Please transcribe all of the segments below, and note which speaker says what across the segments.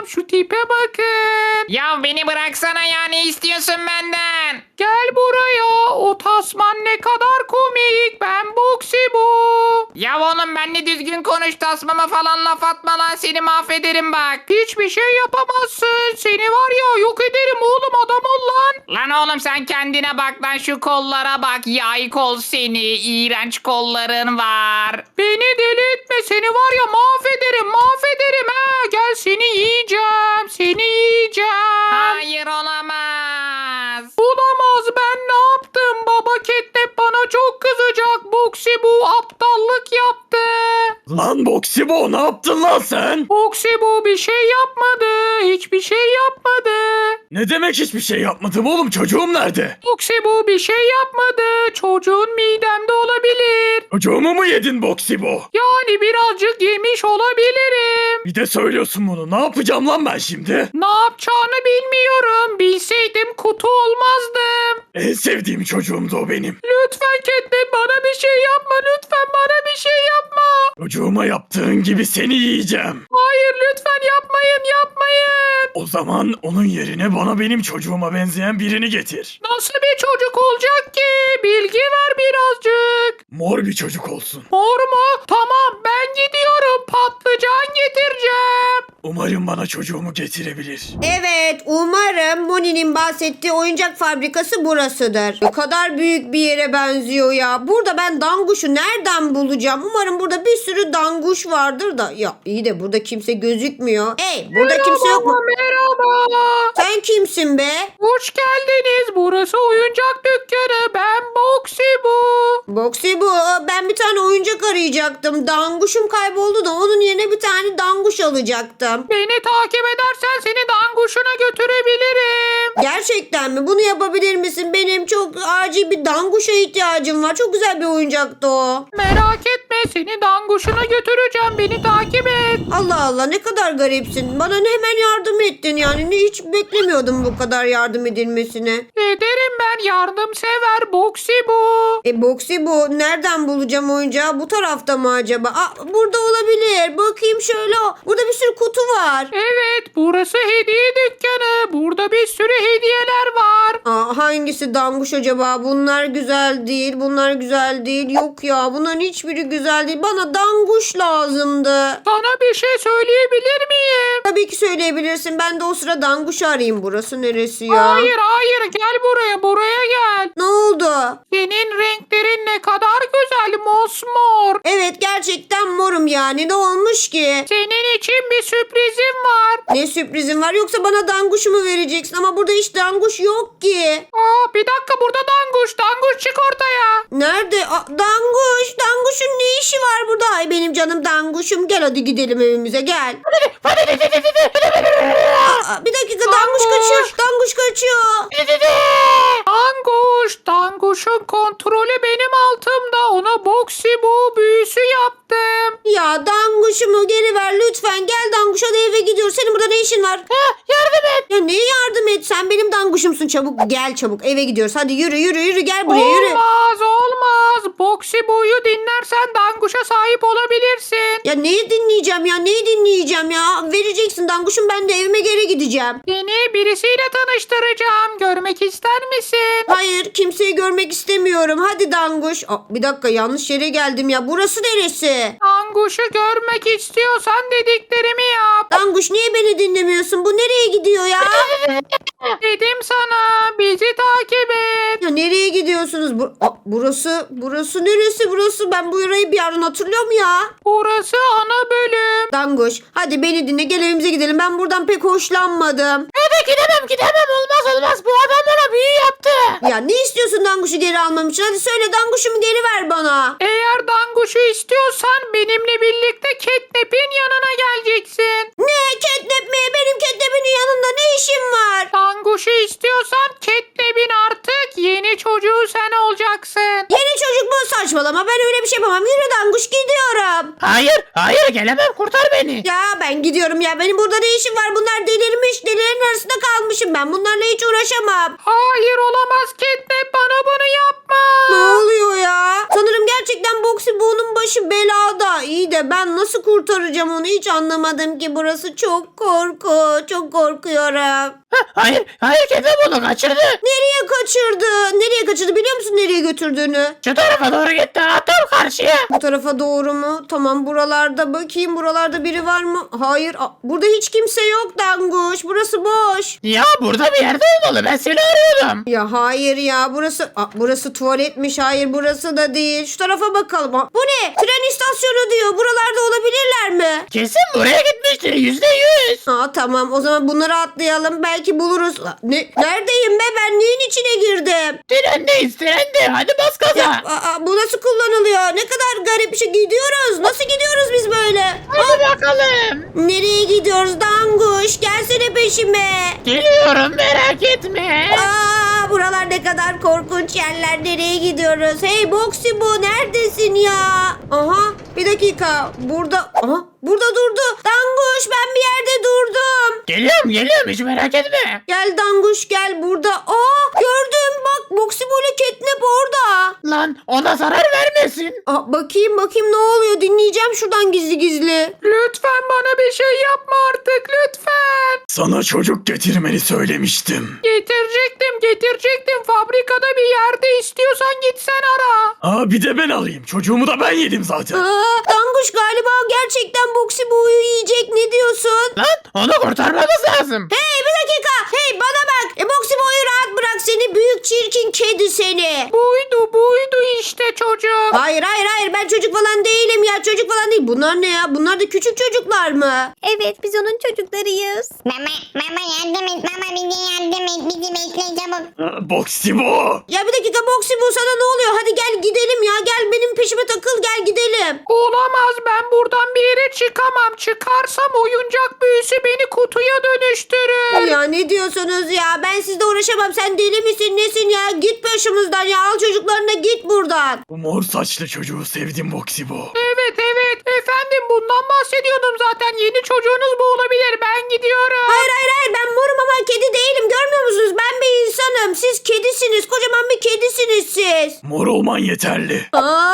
Speaker 1: Allah'ım şu tipe bakın.
Speaker 2: Ya beni bıraksana ya, ne istiyorsun benden?
Speaker 1: Gel buraya. O tasman ne kadar komik. Ben Boxy bu.
Speaker 2: Ya oğlum benle düzgün konuş, tasmama falan laf atma lan, seni mahvederim bak.
Speaker 1: Hiçbir şey yapamazsın. Seni var ya yok ederim oğlum, adam ol lan.
Speaker 2: Lan oğlum sen kendine bak lan, şu kollara bak, yay kol seni, iğrenç kolların var.
Speaker 1: Beni deli etme, seni var ya mahvederim mahvederim ha. Gel seni yiyeceğim, seni yiyeceğim.
Speaker 2: Hayır, olamaz.
Speaker 1: Olamaz, ben ne yaptım? Baba Catnap bana çok kızacak. Boxy bu aptallık yaptı.
Speaker 3: Lan Boksibo, ne yaptın lan sen?
Speaker 1: Boxy bu bir şey yapmadı. Hiçbir şey yapmadı.
Speaker 3: Ne demek hiçbir şey yapmadım oğlum, çocuğum nerede?
Speaker 1: Boxy bu bir şey yapmadı. Çocuğun midemde olabilir.
Speaker 3: Çocuğumu mu yedin Boksibo?
Speaker 1: Yani birazcık yemiş olabilirim.
Speaker 3: Bir de söylüyorsun bunu, ne yapacağım lan ben şimdi?
Speaker 1: Ne yapacağını bilmiyorum. Bilseydim kutu olmazdım.
Speaker 3: En sevdiğim çocuğumdu o benim.
Speaker 1: Lütfen Catnap bana bir şey yapma. Lütfen bana bir şey yapma.
Speaker 3: Çocuğuma yaptığın gibi seni yiyeceğim.
Speaker 1: Hayır lütfen yapmayın yapmayın.
Speaker 3: O zaman onun yerine bana benim çocuğuma benzeyen birini getir.
Speaker 1: Nasıl bir çocuk olacak ki? Bilgi ver birazcık.
Speaker 3: Mor bir çocuk olsun.
Speaker 1: Mor mu? Tamam ben gidiyorum. Patlıcan getireceğim.
Speaker 3: Umarım bana çocuğumu getirebilir.
Speaker 4: Evet, umarım Moni'nin bahsettiği oyuncak fabrikası burasıdır. Ne kadar büyük bir yere benziyor ya. Burada ben danguşu nereden bulacağım? Umarım burada bir sürü danguş vardır da. Ya iyi de burada kimse gözükmüyor. Hey, burada kimse yok mu?
Speaker 1: Merhaba.
Speaker 4: Sen kimsin be?
Speaker 1: Hoş geldiniz. Burası oyuncak dükkanı. Ben Boxy bu.
Speaker 4: Boxy bu. Ben bir tane oyuncak arayacaktım. Danguşum kayboldu da onun yerine bir tane danguş alacaktım.
Speaker 1: Beni takip edersen seni danguşuna götürebilirim.
Speaker 4: Gerçekten mi? Bunu yapabilir misin? Benim çok acil bir danguşa ihtiyacım var. Çok güzel bir oyuncaktı o.
Speaker 1: Merak etme, seni danguşuna götüreceğim. Beni takip et.
Speaker 4: Allah Allah, ne kadar garipsin. Bana hemen yardım ettin yani. Hiç beklemiyordum bu kadar yardım edilmesini.
Speaker 1: Ederim, ben yardımsever Boxy bu.
Speaker 4: Boxy bu. Nereden bulacağım oyuncağı? Bu tarafta mı acaba? Burada olabilir. Bakayım şöyle. Burada bir sürü kutu var.
Speaker 1: Evet, burası hediye dükkanı. Burada bir sürü hediyeler var.
Speaker 4: Hangisi danguş acaba? Bunlar güzel değil. Bunlar güzel değil. Yok ya, bunların hiçbiri güzel değil. Bana danguş lazımdı.
Speaker 1: Sana bir şey söyleyebilir miyim?
Speaker 4: Tabii ki söyleyebilirsin. Ben de o sıra danguşu arayayım. Burası neresi ya?
Speaker 1: Hayır hayır, gel buraya gel.
Speaker 4: Ne oldu?
Speaker 1: Senin renklerin ne kadar güzel, mosmor.
Speaker 4: Evet, gerçekten morum yani. Ne olmuş ki?
Speaker 1: Senin için bir sürprizim var.
Speaker 4: Ne sürprizin var? Yoksa bana danguş mu vereceksin? Ama burada hiç danguş yok ki.
Speaker 1: Bir dakika, burada danguş çık ortaya.
Speaker 4: Nerede? Danguş. Danguşun ne işi var burada? Ay benim canım danguşum. Gel hadi gidelim evimize, gel. Bir dakika, danguş kaçıyor. Danguş kaçıyor.
Speaker 1: Danguş'un kontrolü benim altımda. Ona Boxy bu büyüsü yaptım.
Speaker 4: Ya danguşumu geri ver lütfen. Gel danguş, hadi eve gidiyoruz. Senin burada ne işin var?
Speaker 1: Yardım et.
Speaker 4: Ya neye yardım et? Sen benim danguşumsun. Çabuk gel, çabuk eve gidiyoruz. Hadi yürü gel buraya, yürü.
Speaker 1: Olmaz. Boxy buyu dinlersen Danguş'a sahip olabilirsin.
Speaker 4: Ya neyi dinleyeceğim ya? Neyi dinleyeceğim ya? Vereceksin danguşum, ben de evime geri gideceğim.
Speaker 1: Seni birisiyle tanıştıracağım. Görmek ister misin?
Speaker 4: Hayır, kimseyi görmek istemiyorum. Hadi danguş. Bir dakika, yanlış yere geldim ya. Burası neresi?
Speaker 1: Danguş'u görmek istiyorsan dediklerimi yap.
Speaker 4: Danguş, niye beni dinlemiyorsun? Bu nereye gidiyor ya?
Speaker 1: Dedim sana, bizi takip et.
Speaker 4: Ya nereye gidiyorsunuz? Burası neresi burası? Ben bu yörayı bir yerden hatırlıyorum ya.
Speaker 1: Burası ana bölüm.
Speaker 4: Danguş, hadi beni dinle, gel evimize gidelim. Ben buradan pek hoşlanmadım.
Speaker 1: Gidemem, olmaz. Bu adam bana büyü yaptı.
Speaker 4: Ya ne istiyorsun danguşu geri almam için? Hadi söyle, danguşumu geri ver bana.
Speaker 1: Eğer Danguş'u istiyorsan benimle birlikte Catnap'in yanına geleceksin.
Speaker 4: Ne? Catnap mi? Benim Catnap'in yanında ne işim var?
Speaker 1: Danguş'u istiyorsan Catnap'in artık yeni çocuğu sen olacaksın.
Speaker 4: Yeni çocuk mu? Saçmalama, ben öyle bir şey yapamam. Yürü danguş, gidiyorum.
Speaker 5: Hayır
Speaker 1: gelemem, kurtar beni.
Speaker 4: Ya ben gidiyorum ya. Benim burada ne işim var? Bunlar delirmiş. Delilerin arasında kalmışım ben. Bunlarla hiç uğraşamam.
Speaker 1: Hayır, olamaz Catnap, bana bunu yapma.
Speaker 4: Ne oluyor ya? Sanırım gerçekten Boxy Boo'nun başı belada. İyi de ben nasıl kurtaracağım onu hiç anlamadım ki. Burası çok korku. Çok korkuyorum.
Speaker 1: Hayır Catnap onu kaçırdı.
Speaker 4: Nereye kaçırdı? Nereye kaçırdı biliyor musun nereye götürdüğünü?
Speaker 1: Şu tarafa doğru gitti, tam karşıya.
Speaker 4: Bu tarafa doğru mu? Tamam buralarda bakayım. Buralarda biri var mı? Hayır. Burada hiç kimse yok Danguş. Burası boş.
Speaker 1: Ya burada bir yerde olmalı, ben seni arıyordum.
Speaker 4: Ya hayır ya burası tuvaletmiş. Hayır burası da değil. Şu tarafa bakalım. Bu ne? Tren istasyonu diyor. Buralarda olabilirler mi?
Speaker 1: Kesin buraya gitmiştir, %100.
Speaker 4: Tamam o zaman bunları atlayalım. Belki buluruz. Neredeyim be? Ben neyin içine girdim?
Speaker 1: Trendeyiz, hadi bas gaza.
Speaker 4: Bu nasıl kullanılıyor? Ne kadar garip bir şey. Gidiyoruz. Nasıl gidiyoruz biz böyle?
Speaker 1: Hadi bakalım.
Speaker 4: Nereye gidiyoruz Danguş? Gelsene peşime.
Speaker 1: Geliyorum, merak etme.
Speaker 4: Buralar ne kadar korkunç yerler. Nereye gidiyoruz? Hey Boxy Boo neredesin ya? Aha bir dakika. Burada durdu. Danguş ben bir yerde durdum.
Speaker 1: Geliyorum, hiç merak etme.
Speaker 4: Gel Danguş gel burada. Gördüm bak Boxy Boo ile Catnap orada.
Speaker 1: Lan ona zarar vermesin.
Speaker 4: Bakayım ne oluyor? Dinleyeceğim şuradan gizli gizli.
Speaker 1: Lütfen bana bir şey yapma artık, lütfen.
Speaker 3: Sana çocuk getirmeni söylemiştim.
Speaker 1: Getirecektim. Fabrikada bir yerde, istiyorsan gitsen ara.
Speaker 3: Bir de ben alayım. Çocuğumu da ben yedim zaten.
Speaker 4: Danguş galiba gerçekten Boxy Boo'yu yiyecek. Ne diyorsun?
Speaker 1: Lan onu kurtarmamız lazım.
Speaker 4: Hey bir dakika. Hey bana bak. Boxy Boo'yu rahat bırak seni. Büyük çirkin kedi seni.
Speaker 1: Buydu işte çocuk.
Speaker 4: Hayır ben çocuk falan değilim ya. Çocuk falan değil. Bunlar ne ya? Bunlar da küçük çocuklar mı?
Speaker 5: Evet biz onun çocuklarıyız.
Speaker 2: Mama yardım et. Mama bize yardım et. Bizi bekle çabuk.
Speaker 3: Boxy bu.
Speaker 4: Ya bir dakika Boxy Boo sana ne oluyor? Hadi gel gidelim ya. Gel benim peşime takıl gel gidelim.
Speaker 1: Olamaz, ben buradan bir yere çıkamam. Çıkarsam oyuncak büyüsü beni kutuya dönüştürür.
Speaker 4: Ya ne diyorsunuz ya? Ben sizle uğraşamam. Sen deli misin nesin ya? Git başımızdan ya. Al çocuklarına git buradan.
Speaker 3: Bu mor saçlı çocuğu sevdim Boxy bu.
Speaker 1: Evet efendim, bundan bahsediyordum zaten. Yeni çocuğunuz bu olabilir, ben gidiyorum.
Speaker 4: Hayır ben morum ama kedi değilim. Görmüyor musunuz? Ben bir insanım. Siz kedisiniz. Kocaman bir kedisiniz siz.
Speaker 3: Mor olman yeterli.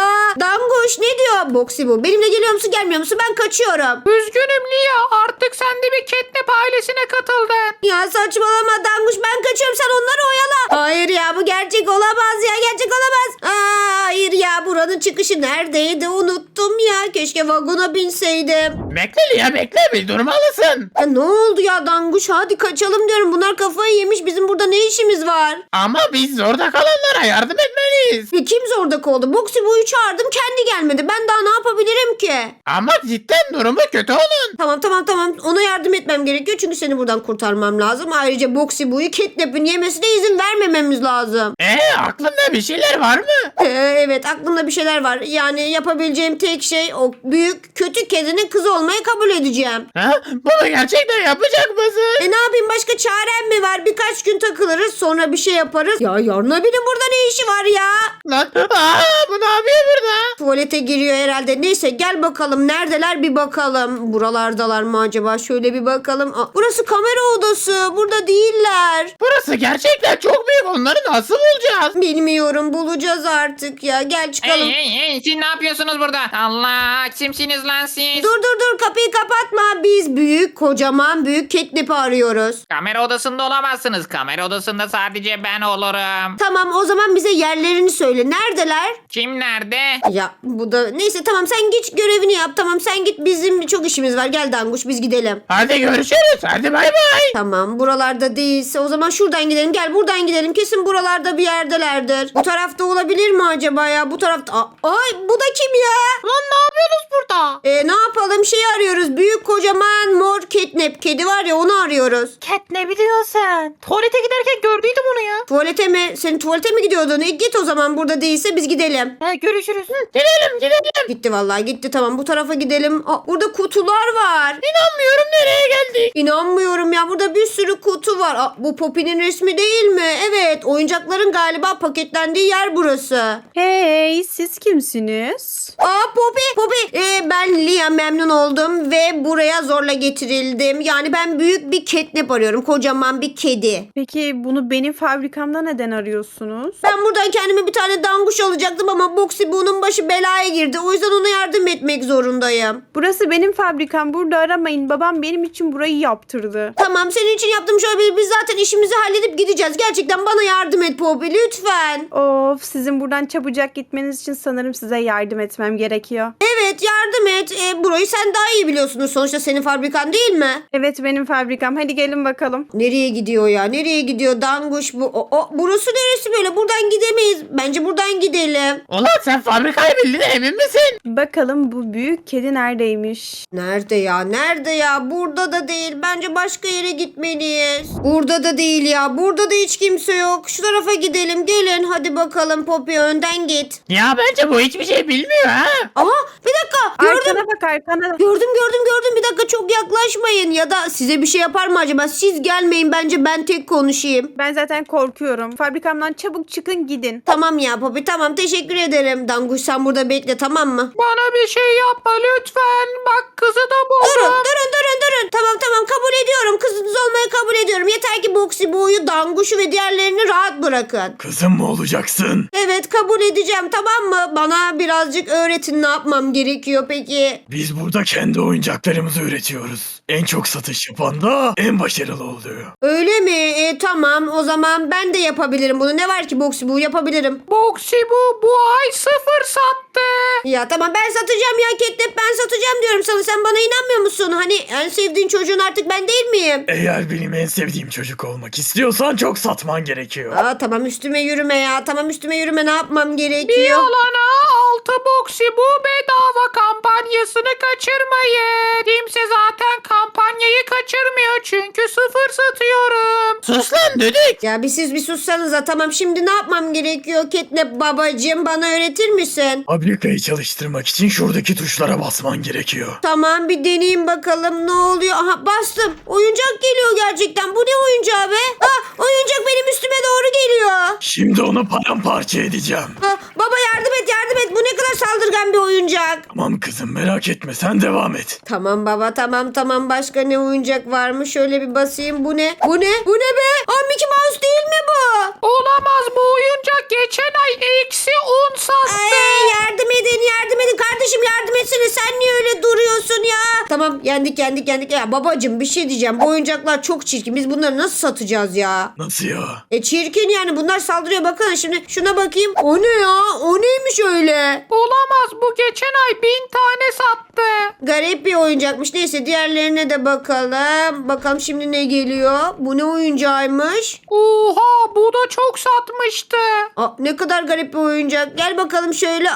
Speaker 4: Danguş ne diyor Boxy bu? Benimle geliyor musun gelmiyor musun? Ben kaçıyorum.
Speaker 1: Üzgünüm Lia, artık sen de bir Catnap ailesine katıldın.
Speaker 4: Ya saçmalama Danguş ben kaçıyorum sen onları oyala. Hayır ya bu gerçek olamaz ya gerçek olamaz. Hayır ya buranın çıkışı neredeydi unuttum ya. Keşke vagona binseydim.
Speaker 1: Bekle Lia, bekle, bir durmalısın.
Speaker 4: Ya ne oldu ya Danguş hadi kaçalım diyorum. Bunlar kafayı yemiş bizim burada ne işimiz var?
Speaker 1: Ama biz zorda kalanlara yardım etmeliyiz.
Speaker 4: Kim zorda kaldı? Boxy Boo'yu çağırdım kendi gelmedi. Ben daha ne yapabilirim ki?
Speaker 1: Ama cidden durumu kötü onun.
Speaker 4: Tamam ona yardım etmem gerekiyor çünkü seni buradan kurtarmam lazım. Ayrıca Boxy Boo'yu Catnap'in yemesine izin vermememiz lazım.
Speaker 1: Aklında bir şeyler var mı?
Speaker 4: Evet aklımda bir şeyler var. Yani yapabileceğim tek şey o büyük kötü kedinin kızı olmayı kabul edeceğim.
Speaker 1: Bunu gerçekten yapacak mısın?
Speaker 4: Ne yapayım başka çarem mi var? Birkaç gün takılırız sonra bir şey yaparız. Ya yarın abinin burada ne işi var ya?
Speaker 1: Lan bu ne yapıyor burada?
Speaker 4: Tuvalete giriyor herhalde. Neyse gel bakalım neredeler bir bakalım. Buralardalar mı acaba? Şöyle bir bakalım. Burası kamera odası. Burada değiller.
Speaker 1: Burası gerçekten çok büyük, onları nasıl bulacağız?
Speaker 4: Bilmiyorum bulacağız artık ya. Gel çıkalım.
Speaker 2: Hey siz ne yapıyorsunuz burada? Allah kimsiniz lan siz?
Speaker 4: Dur kapıyı kapatma. Biz kocaman büyük Catnap'i arıyoruz.
Speaker 2: Kamera odasında olamazsınız. Kamera odasında sadece ben olurum.
Speaker 4: Tamam o zaman bize yerlerini söyle. Neredeler?
Speaker 2: Kim nerede?
Speaker 4: Ya bu da neyse tamam sen git görevini yap. Tamam sen git bizim çok işimiz var. Gel Danguş biz gidelim.
Speaker 1: Hadi görüşürüz, hadi bay bay.
Speaker 4: Tamam buralarda değilse o zaman şuradan gidelim. Gel buradan gidelim. Kesin buralarda bir yerdelerdir. Bu tarafta olabilir mi acaba ya? Bu tarafta. Ay bu da kim ya?
Speaker 5: Lan ne yapıyorsunuz burada?
Speaker 4: Ne yapalım şey arıyoruz. Büyük kocaman mor Catnap. Kedi var ya onu arıyoruz.
Speaker 5: Cat ne biliyorsun sen? Tuvalete giderken gördüydüm onu ya.
Speaker 4: Tuvalete mi? Senin tuvalete mi gidiyordun? Git o zaman burada değilse biz gidelim.
Speaker 5: Görüşürüz.
Speaker 1: Gidelim.
Speaker 4: Gitti vallahi gitti tamam bu tarafa gidelim. Burada kutular var.
Speaker 1: İnanmıyorum, nereye geldik?
Speaker 4: İnanmıyorum ya burada bir sürü kutu var. Bu Poppy'nin resmi değil mi? Evet oyuncakların galiba paketlendiği yer burası.
Speaker 6: Hey siz kimsiniz?
Speaker 4: Poppy ben Lia memnun oldum ve buraya zorla getirildim. Yani ben büyük bir catnap arıyorum. Kocaman bir kedi.
Speaker 6: Peki bunu benim fabrikamda neden arıyorsunuz?
Speaker 4: Ben buradan kendime bir tane danguş alacaktım ama Boxy Boo'nun başı belaya girdi. O yüzden ona yardım etmek zorundayım.
Speaker 6: Burası benim fabrikam. Burada aramayın. Babam benim için burayı yaptırdı.
Speaker 4: Tamam, senin için yaptığım şöyle bir, biz zaten işimizi halledip gideceğiz. Gerçekten bana yardım et Poppy lütfen.
Speaker 6: Of, sizin buradan çabucak gitmeniz için sanırım size yardım etmem gerekiyor.
Speaker 4: Evet, yardım et. Burayı sen daha iyi biliyorsunuz. Sonuçta senin fabrikan değil mi?
Speaker 6: Evet, benim fabrikam. Hadi gelin bakalım.
Speaker 4: Nereye gidiyor ya? Nereye gidiyor? Danguş bu. Burası neresi böyle? Buradan gidemeyiz. Bence buradan gidelim.
Speaker 5: Ulan sen fabrikayı bildin emin misin?
Speaker 6: Bakalım bu büyük kedi neredeymiş?
Speaker 4: Nerede ya? Nerede ya? Burada da değil. Bence başka yere gitmeliyiz. Burada da değil ya. Burada da hiç kimse yok. Şu tarafa gidelim. Gelin. Hadi bakalım Poppy, önden git.
Speaker 5: Ya bence bu hiçbir şey bilmiyor ha.
Speaker 4: Aha, bir dakika. Gördüm.
Speaker 6: Arkana bak, arkana.
Speaker 4: Gördüm. Bir dakika, çok yaklaşmayın. Ya da size bir şey yapar mı acaba? Siz gelmeyin, bence ben tek konuşayım.
Speaker 6: Ben zaten korkuyorum. Fabrikamdan çabuk çıkın gidin.
Speaker 4: Tamam ya Poppy, tamam, teşekkür ederim. Danguş sen burada bekle, tamam mı?
Speaker 1: Bana bir şey yapma lütfen. Bak kızı da buldum.
Speaker 4: Durun. Tamam, kabul ediyorum. Kızınız olmayı kabul ediyorum. Yeter ki Boxy Boo'yu, Danguş'u ve diğerlerini rahat bırakın.
Speaker 3: Kızım mı olacaksın?
Speaker 4: Evet, kabul edeceğim, tamam mı? Bana birazcık öğretin, ne yapmam gerekiyor peki?
Speaker 3: Biz burada kendi oyuncaklarımızı üretiyoruz. En çok satış yapan da en başarılı oluyor.
Speaker 4: Öyle mi? Tamam, o zaman ben de yapabilirim bunu. Ne var ki Boxy Boo, yapabilirim.
Speaker 1: Boxy bu ay 0 sattı.
Speaker 4: Ya tamam, ben satacağım ya Catnap, ben satacağım diyorum sana. Sen bana inanmıyor musun? Hani en sevdiğin çocuğun artık ben değil miyim?
Speaker 3: Eğer benim en sevdiğim çocuk olmak istiyorsan çok satman gerekiyor.
Speaker 4: Aa, tamam üstüme yürüme ya. Tamam üstüme yürüme, ne yapmam
Speaker 1: Bir
Speaker 4: gerekiyor?
Speaker 1: alana 6 Boxy bu bedava kampanyasını kaçırmayın. Kimse zaten kampanyayı kaçırmıyor çünkü 0 satıyorum.
Speaker 5: Sus lan düdük.
Speaker 4: Ya siz bir sussanıza. Tamam, şimdi ne yapmam gerekiyor Catnap babacığım, bana öğretir misin?
Speaker 3: Fabrikayı çalıştırmak için şuradaki tuşlara basman gerekiyor.
Speaker 4: Tamam, bir deneyeyim bakalım ne oluyor. Aha, bastım. Oyuncak geliyor gerçekten. Bu ne oyuncağı be? Oyuncak benim üstüme doğru geliyor.
Speaker 3: Şimdi onu paramparça edeceğim.
Speaker 4: Baba yardım et. Bu ne kadar saldırgan bir oyuncak.
Speaker 3: Tamam kızım, merak etme, sen devam et.
Speaker 4: Tamam baba, tamam. Başka ne oyuncak var mı? Şöyle bir basayım. Bu ne? Bu ne be? Mickey Mouse değil mi bu?
Speaker 1: Olamaz, bu oyuncak geçen ay eksi 10 sattı.
Speaker 4: Ay, yardım edin. Kardeşim yardım etsene. Sen niye öyle duruyorsun ya? Tamam, yendik. Ya babacığım, bir şey diyeceğim. Bu oyuncaklar çok çirkin. Biz bunları nasıl satacağız ya?
Speaker 3: Nasıl ya?
Speaker 4: Çirkin yani, bunlar saldırıyor. Bakın şimdi şuna bakayım. O ne ya? O neymiş öyle?
Speaker 1: Olamaz, bu geçen ay 1000 tane sattı.
Speaker 4: Garip bir oyuncakmış. Neyse, diğerlerine de bakalım. Bakalım şimdi ne geliyor? Bu ne oyuncağıymış?
Speaker 1: Oha, bu da çok satmıştı.
Speaker 4: Ne kadar garip bir oyuncak. Gel bakalım şöyle.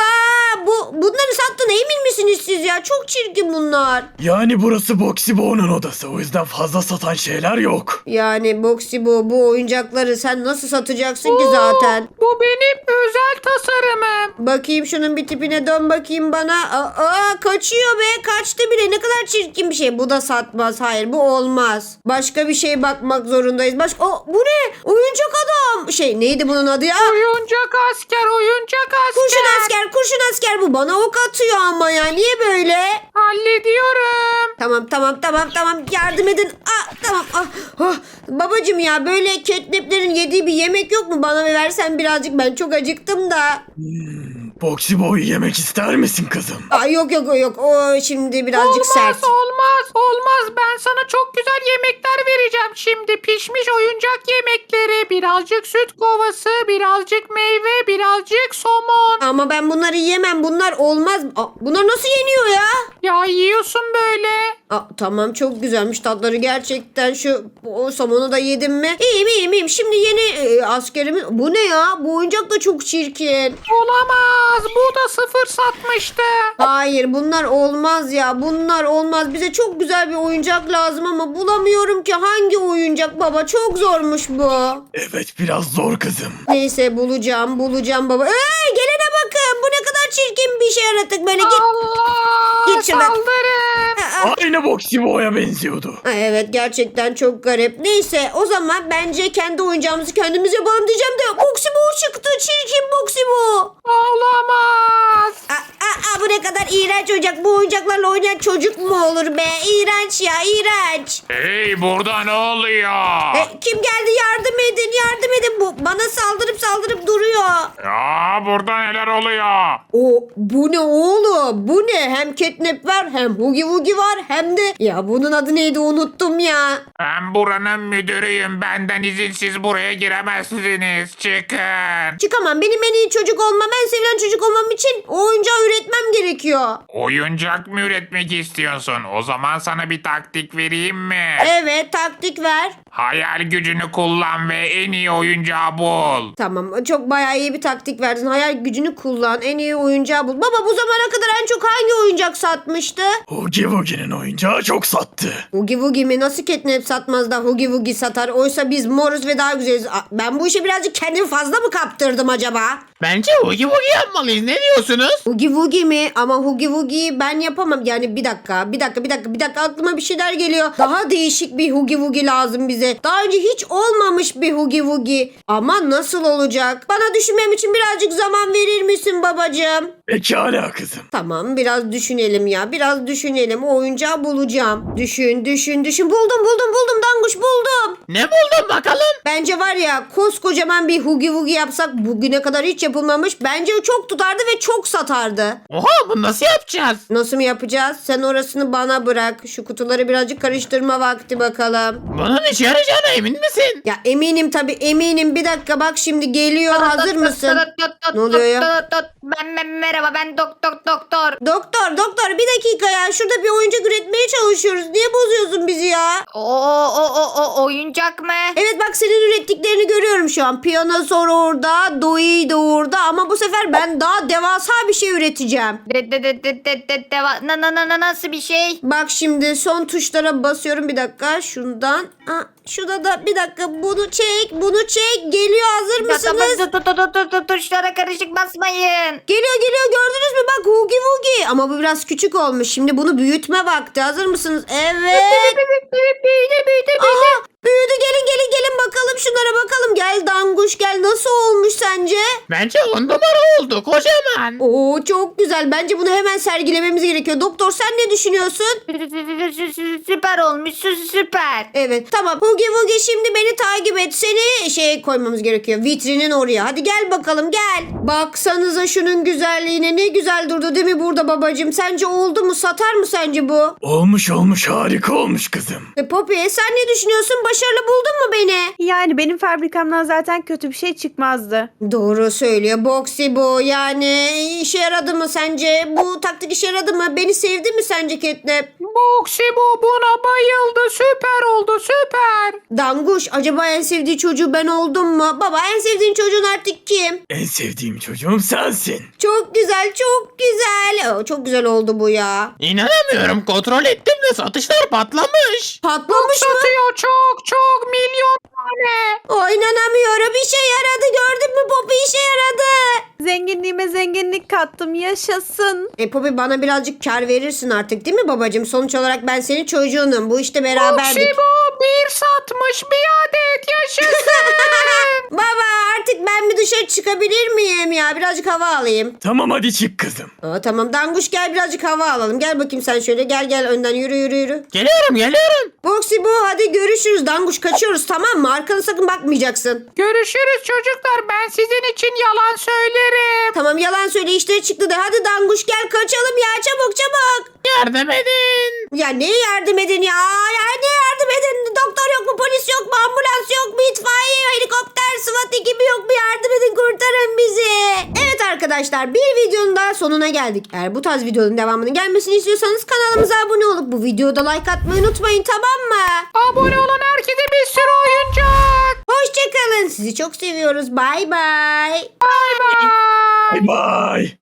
Speaker 4: Bunları sattığına emin misiniz siz ya? Çok çirkin bunlar.
Speaker 3: Yani burası Boxy Boo'nun odası, o yüzden fazla satan şeyler yok.
Speaker 4: Yani Boxy bu oyuncakları sen nasıl satacaksın ki zaten?
Speaker 1: Bu benim özel tasarımım.
Speaker 4: Bakayım şunun bir tipine, dön bakayım bana. Kaçıyor be, kaçtı bile. Ne kadar çirkin bir şey. Bu da satmaz. Hayır, bu olmaz. Başka bir şeye bakmak zorundayız. Bu ne? Oyuncak adam. Neydi bunun adı ya?
Speaker 1: Oyuncak asker.
Speaker 4: Kurşun asker bu. Bana ok atıyor ama ya. Niye böyle?
Speaker 1: Hallediyorum.
Speaker 4: Tamam. Yardım edin. Tamam. Babacım ya, böyle catnaplerin yediği bir yemek yok mu? Bana versen birazcık, ben çok acıktım da.
Speaker 3: Boxy Boo'yu yemek ister misin kızım?
Speaker 4: Yok. O şimdi birazcık sert.
Speaker 1: Olmaz. Ben sana çok güzel yemekler vereceğim şimdi. Pişmiş oyuncak yemekleri, birazcık süt kovası, birazcık meyve, birazcık somon.
Speaker 4: Ama ben bunları yemem. Bunlar olmaz. Bunlar nasıl yeniyor ya?
Speaker 1: Ya yiyorsun böyle.
Speaker 4: Tamam, çok güzelmiş tatları gerçekten. O somonu da yedim mi? İyiyim. Şimdi yeni askerimiz. Bu ne ya? Bu oyuncak da çok çirkin.
Speaker 1: Olamaz. Bu da 0 satmıştı.
Speaker 4: Hayır, bunlar olmaz ya. Bunlar olmaz. Bize çok güzel bir oyuncak lazım ama bulamıyorum ki. Hangi oyuncak baba? Çok zormuş bu.
Speaker 3: Evet, biraz zor kızım.
Speaker 4: Neyse, bulacağım baba. Gelene bakın. Bu ne kadar çirkin bir şey yaratık böyle.
Speaker 1: Allah,
Speaker 4: Git şuradan.
Speaker 1: saldırın.
Speaker 3: Aynı Boxy Boo'ya benziyordu.
Speaker 4: Evet, gerçekten çok garip. Neyse, o zaman bence kendi oyuncağımızı kendimiz yapalım diyeceğim de Boxy Boo çıktı. Çirkin Boxy Boo.
Speaker 1: Olamaz.
Speaker 4: Bu ne kadar iğrenç oyuncak. Bu oyuncaklarla oynayan çocuk mu olur be? İğrenç ya, iğrenç.
Speaker 7: Hey burada ne oluyor?
Speaker 4: Kim geldi? Yardım edin, yardım edin. Bu bana saldırıp duruyor.
Speaker 7: Ya burada neler oluyor?
Speaker 4: Bu ne oğlum? Bu ne? Hem catnap var, hem Hugi Wugi var, hem de... Ya bunun adı neydi, unuttum ya.
Speaker 7: Ben buranın müdürüyüm. Benden izinsiz buraya giremezsiniz. Çıkın.
Speaker 4: Çıkamam. Benim en iyi çocuk olmam, en sevilen çocuk olmam için o oyuncağı üretmem gerekiyor.
Speaker 7: Oyuncak mı üretmek istiyorsun? O zaman sana bir taktik vereyim mi?
Speaker 4: Evet, taktik ver.
Speaker 7: Hayal gücünü kullan ve en iyi oyuncağı bul.
Speaker 4: Tamam, çok bayağı iyi bir taktik verdin. Hayal gücünü kullan, en iyi oyuncağı bul. Baba, bu zamana kadar en çok hangi oyuncak satmıştı?
Speaker 3: Hugi Wugi'nin oyuncağı çok sattı.
Speaker 4: Hugi Wugi mi? Nasıl catnap satmaz da Hugi Wugi satar? Oysa biz moruz ve daha güzeliz. Ben bu işe birazcık kendimi fazla mı kaptırdım acaba?
Speaker 8: Bence Hugi Wugi yapmalıyız. Ne diyorsunuz?
Speaker 4: Hugi Wugi mi? Ama Hugi Wugi'yi ben yapamam. Yani bir dakika aklıma bir şeyler geliyor. Daha değişik bir Hugi Wugi lazım bize. Daha önce hiç olmamış bir Hugi Wugi. Ama nasıl olacak? Bana düşünmem için birazcık zaman verir misin babacığım?
Speaker 3: Pekala kızım.
Speaker 4: Tamam, biraz düşünelim ya. Biraz düşünelim. O oyuncağı bulacağım. Düşün. Buldum Danguş, buldum.
Speaker 8: Ne buldun bakalım?
Speaker 4: Bence var ya, koskocaman bir Hugi Wugi yapsak, bugüne kadar hiç yapılmamış. Bence o çok tutardı ve çok satardı.
Speaker 8: Oha, bunu nasıl yapacağız?
Speaker 4: Nasıl mı yapacağız? Sen orasını bana bırak. Şu kutuları birazcık karıştırma vakti bakalım.
Speaker 8: Bunun işe yarayacağına emin misin?
Speaker 4: Ya eminim, tabii eminim. Bir dakika, bak şimdi geliyor. Hazır mısın? Ne oluyor ya?
Speaker 2: Merhaba, ben doktor.
Speaker 4: Doktor bir dakika ya. Şurada bir oyuncak üretmeye çalışıyoruz. Niye bozuyorsun bizi ya?
Speaker 2: O oyuncak mı?
Speaker 4: Evet, bak senin ürettiklerini görüyorum şu an. Piyanozor orada, Doi de orada, ama bu sefer ben daha devasa bir şey üreteceğim.
Speaker 2: Nasıl bir şey?
Speaker 4: Bak şimdi son tuşlara basıyorum, bir dakika. Şundan. Şurada da bir dakika, bunu çek. Geliyor, hazır mısınız?
Speaker 2: Tuşlara karışık basmayın.
Speaker 4: Geliyor, gördünüz mü? Bak, Hugi Wugi. Ama bu biraz küçük olmuş. Şimdi bunu büyütme vakti. Hazır mısınız? Evet.
Speaker 2: Büyüdü.
Speaker 4: Aha, büyüdü. Gelin bakalım şunlara bakalım. Gel Danguş, gel. Nasıl olmuş sence?
Speaker 8: Bence 10 numara oldu. Kocaman.
Speaker 4: Oo, çok güzel. Bence bunu hemen sergilememiz gerekiyor. Doktor, sen ne düşünüyorsun?
Speaker 2: Süper olmuş, süper.
Speaker 4: Evet, tamam. Hugi Wugi, şimdi beni takip et. Seni koymamız gerekiyor. Vitrinin oraya. Hadi gel bakalım, gel. Baksanıza şunun güzelliğine. Ne güzel durdu değil mi burada babacığım? Sence oldu mu? Satar mı sence bu?
Speaker 3: Olmuş harika olmuş kızım.
Speaker 4: Poppy, sen ne düşünüyorsun? Başarılı buldun mu beni?
Speaker 6: Yani benim fabrikamdan zaten kötü bir şey çıkmazdı.
Speaker 4: Doğru söylüyor Boxy bu. Yani işe yaradı mı sence? Bu taktik işe yaradı mı? Beni sevdi mi sence Catnap?
Speaker 1: Boxy bu buna bayıldı. Süper oldu, süper.
Speaker 4: Danguş, acaba en sevdiği çocuğu ben oldum mu? Baba, en sevdiğin çocuğun artık kim?
Speaker 3: En sevdiğim çocuğum sensin.
Speaker 4: Çok güzel, çok güzel. Çok güzel oldu bu ya.
Speaker 8: İnanamıyorum. Kontrol ettim de satışlar patlamış.
Speaker 4: Patlamış mı?
Speaker 1: Satıyor çok milyon tane.
Speaker 4: İnanamıyorum. İşe yaradı. Gördün mü Poppy, işe yaradı.
Speaker 6: Zenginliğime zenginlik kattım. Yaşasın.
Speaker 4: Poppy, bana birazcık kar verirsin artık değil mi babacığım? Sonuç olarak ben senin çocuğunum. Bu işte beraberdik.
Speaker 1: Boxy bu bir satmış, bir adet yaşasın.
Speaker 4: Baba, artık ben bir dışarı çıkabilir miyim ya? Birazcık hava alayım.
Speaker 3: Tamam hadi çık kızım.
Speaker 4: Tamam Danguş, gel birazcık hava alalım. Gel bakayım sen şöyle. Gel önden yürü.
Speaker 8: Geliyorum.
Speaker 4: Boxy bu, hadi görüşürüz Danguş, kaçıyoruz tamam mı? Arkana sakın bakmayacaksın.
Speaker 1: Görüşürüz çocuklar. Ben sizin için yalan söylerim.
Speaker 4: Tamam, yalan söyle, işleri çıktı de. Hadi Danguş, gel kaçalım ya, çabuk.
Speaker 8: Yardım edin.
Speaker 4: Ya neye yardım edin ya? Ne yardım edin? Doktor yok mu? Polis yok mu? Ambulans yok mu? İtfaiye, helikopter, SWAT ekibi yok mu? Yardım edin, kurtarın bizi. Evet arkadaşlar, bir videonun daha sonuna geldik. Eğer bu tarz videonun devamının gelmesini istiyorsanız kanalımıza abone olup bu videoda like atmayı unutmayın, tamam mı?
Speaker 1: Abone olan herkese bir sürü oyuncak.
Speaker 4: Hoşçakalın. Sizi çok seviyoruz. Bay bay.
Speaker 1: Bay bay.
Speaker 3: Bye bye.